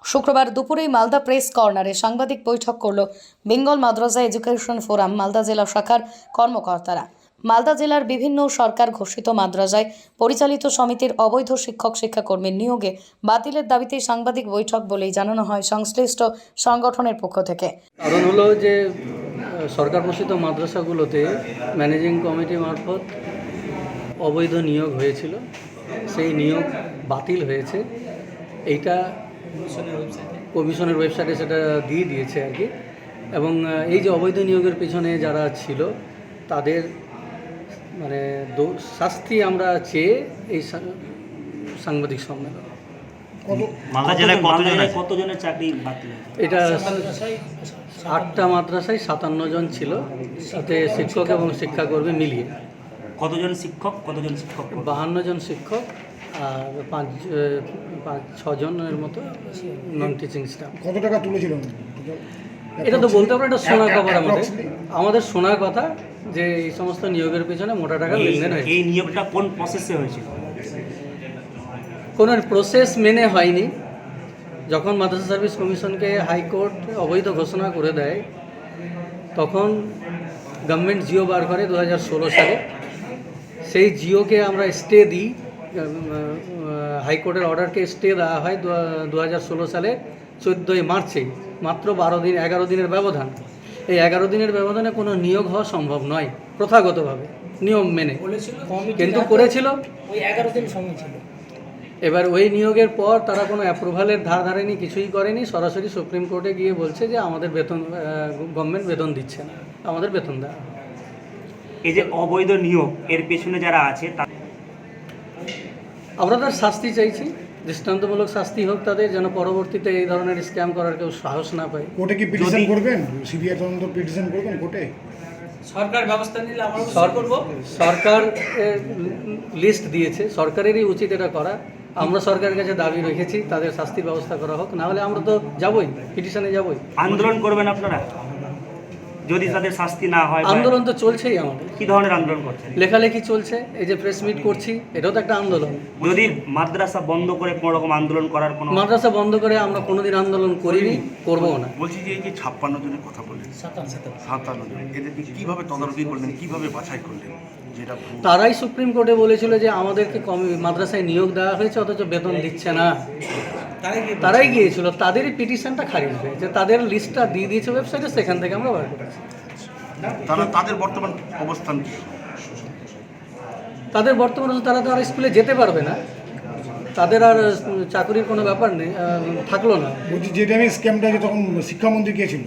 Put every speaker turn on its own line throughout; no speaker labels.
শুক্রবার দুপুরে মালদা প্রেস কর্নারে সাংবাদিক বৈঠক করল Bengal Madrasa education forum Malda জেলা শাখার কর্মকর্তারা। মালদা জেলার বিভিন্ন সরকার ঘোষিত মাদ্রাসায় পরিচালিত সমিতির অবৈধ শিক্ষাকর্মীর নিয়োগে বাতিলের দাবিতে সাংবাদিক বৈঠক বলেই জানানো হয় সংশ্লিষ্ট সংগঠনের পক্ষ থেকে।
কারণ হলো যে সরকার ঘোষিত মাদ্রাসাগুলোতে ম্যানেজিং কমিটি মারফত অবৈধ নিয়োগ হয়েছিল, সেই নিয়োগ বাতিল হয়েছে। এইটা কমিশনের ওয়েবসাইটে সেটা দিয়ে দিয়েছে আর কি। এবং এই যে অবৈধ নিয়োগের পিছনে যারা ছিল তাদের মানে শাস্তি আমরা চেয়ে এই সাংবাদিক সম্মেলন।
মালদা জেলায় কতজনের চাকরি বাতিল?
এটা 8টা মাদ্রাসায় 57 জন ছিল, তাতে শিক্ষক এবং শিক্ষাকর্মী মিলিয়ে।
কতজন শিক্ষক?
52 জন শিক্ষক আর 5-6 জনের মতো নন টিচিং স্টাফ।
কত টাকা তুলেছিল?
এটা তো বলতে পারবো, এটা শোনা খবর। আমাদের শোনা কথা যে এই সমস্ত নিয়োগের পিছনে মোটা টাকা লেনদেন হয়েছে।
এই নিয়োগটা কোন প্রসেসে হয়েছিল?
কোনো প্রসেস মেনে হয়নি। যখন মাদ্রাসা সার্ভিস কমিশনকে হাইকোর্ট অবৈধ ঘোষণা করে দেয় তখন গভর্নমেন্ট জিও বার করে 2016 সালে। সেই জিওকে আমরা স্টে দিই, হাইকোর্টের অর্ডারকে স্টে দেওয়া হয় 2016 সালে 14 মার্চে। মাত্র 11 দিনের ব্যবধান। এই 11 দিনের ব্যবধানে কোনো নিয়োগ হওয়া সম্ভব নয় প্রথাগতভাবে নিয়ম মেনে, কিন্তু করেছিল
ওই 11 দিন সময় ছিল।
এবার ওই নিয়োগের পর তারা কোনো অ্যাপ্রুভালের ধার ধারেনি, কিছুই করেনি। সরাসরি সুপ্রিম কোর্টে গিয়ে বলছে যে আমাদের বেতন, গভর্নমেন্ট বেতন দিচ্ছে না, আমাদের বেতন দেওয়া।
এই যে অবৈধ নিয়োগ এর পেছনে যারা আছে
আমরা তার শাস্তি চাইছি, দৃষ্টান্তমূলক শাস্তি হোক তাদের, যেন পরবর্তীতে এই ধরনের স্ক্যাম করার কেউ সাহস না পায়।
কোর্টে কি পিটিশন করবেন? সিবিআই তদন্ত পিটিশন করবেন কোর্টে?
সরকার ব্যবস্থা নিলে আমরা করব।
সরকার লিস্ট দিয়েছে, সরকারেরই উচিত এটা করা। আমরা সরকারের কাছে দাবি রেখেছি তাদের শাস্তির ব্যবস্থা করা হোক, না হলে আমরা তো যাবই, পিটিশনে যাবই।
আন্দোলন করবেন আপনারা যদি তাদের শাস্তি না হয়?
আন্দোলন তো চলছেই আমাদের।
কি ধরনের আন্দোলন করছেন?
লেখালেখি চলছে, এই যে প্রেস মিট করছি, এটাও তো একটা আন্দোলন।
যদি মাদ্রাসা বন্ধ করে কোনো রকম আন্দোলন করার কোনো?
মাদ্রাসা বন্ধ করে আমরা কোনোদিন আন্দোলন করিনি, করবও না।
বলছি যে এই যে 56 জনের কথা বললেন, 57 জন, এদেরকে কীভাবে তদারকি করলেন, কীভাবে বাছাই করলেন? যেটা
তারাই সুপ্রিম কোর্টে বলেছিল যে আমাদেরকে মাদ্রাসায় নিয়োগ দেওয়া হয়েছে অথচ বেতন দিচ্ছে না। তারাই গিয়েছিল, তাদেরই পিটিশনটা খারিজ হয়েছে, তাদের লিস্টটা দিয়ে দিয়েছে ওয়েবসাইটে, সেখান থেকে আমরা বার করেছি।
তাদের বর্তমান অবস্থান কি?
তাদের বর্তমানে তারা তো আর স্কুলে যেতে পারবে না, তাদের আর চাকরির কোনো ব্যাপার নেই, থাকলো না।
বলছি যে টাইমে স্ক্যামটা যে তখন শিক্ষামন্ত্রী কে ছিল?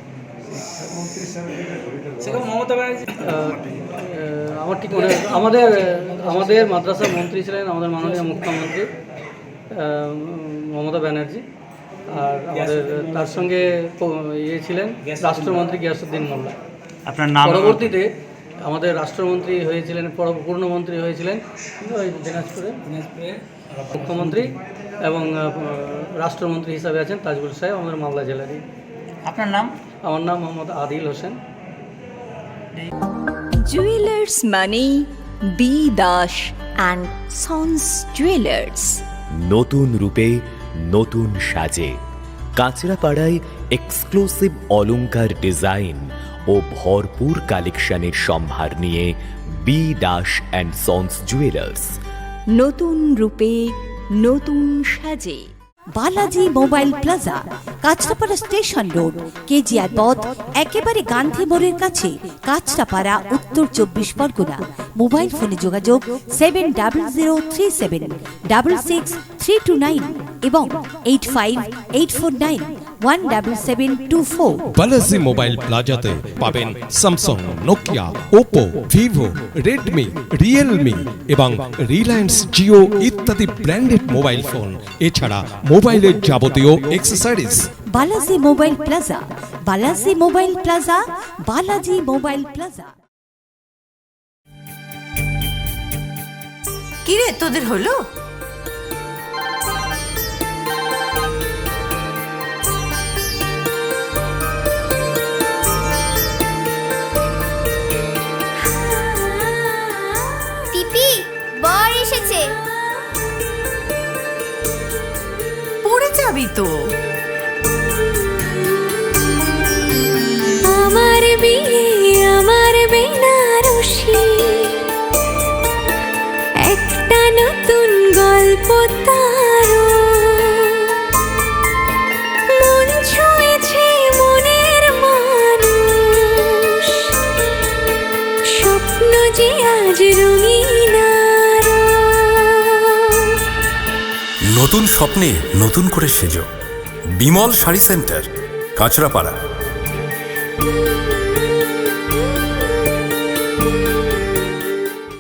সেরকম মমতা ব্যানার্জি।
আমার ঠিক মনে, আমাদের মাদ্রাসার মন্ত্রী ছিলেন আমাদের মাননীয় মুখ্যমন্ত্রী মমতা ব্যানার্জি, আর আমাদের তার সঙ্গে ছিলেন রাষ্ট্রমন্ত্রী গিয়াসউদ্দিন মোল্লা।
আপনার নাম?
পরবর্তীতে আমাদের রাষ্ট্রমন্ত্রী হয়েছিলেন, পূর্ণমন্ত্রী হয়েছিলেন দিনাজপুরে মুখ্যমন্ত্রী, এবং রাষ্ট্রমন্ত্রী হিসাবে আছেন তাজবুল সাহেব, আমাদের মালদা জেলারই।
আপনার নাম?
আমার নাম মোহাম্মদ আদিল হোসেন।
জুয়েলার্স মানে B Das and sons jewellers.
নতুন রূপে নতুন সাজে কাঁচরাপাড়ায় এক্সক্লুসিভ অলংকার ডিজাইন ও ভরপুর কালেকশনের সম্ভার নিয়ে B Das and sons jewellers.
নতুন রূপে নতুন সাজে Balaji mobile plaza, Kanchrapara station road, KGR পথ, একেবারে গান্ধী মোড়ের কাছে, কাঁচরাপাড়া, উত্তর 24 পরগনা। মোবাইল ফোনে যোগাযোগ 700037666329 এবং 8584917724।
বালাজি মোবাইল প্লাজাতে পাবেন Samsung, Nokia, Oppo, Vivo, Redmi, Realme এবং রিলায়েন্স জিও ইত্যাদি ব্র্যান্ডেড মোবাইল ফোন, এছাড়া মোবাইলের যাবতীয় accessories.
Balaji mobile plaza, Balaji mobile plaza, Balaji mobile plaza.
কি রে তোদের হলো?
পিপি, বর এসেছে।
পড়ে যাবি তো।
পদ্মার মন ছুঁয়েছে মনের মানুষ, স্বপ্ন যে আজ রঙিন আরো।
নতুন স্বপ্নে নতুন করে সেজো। বিমল শাড়ি সেন্টার, কাঁচরাপাড়া।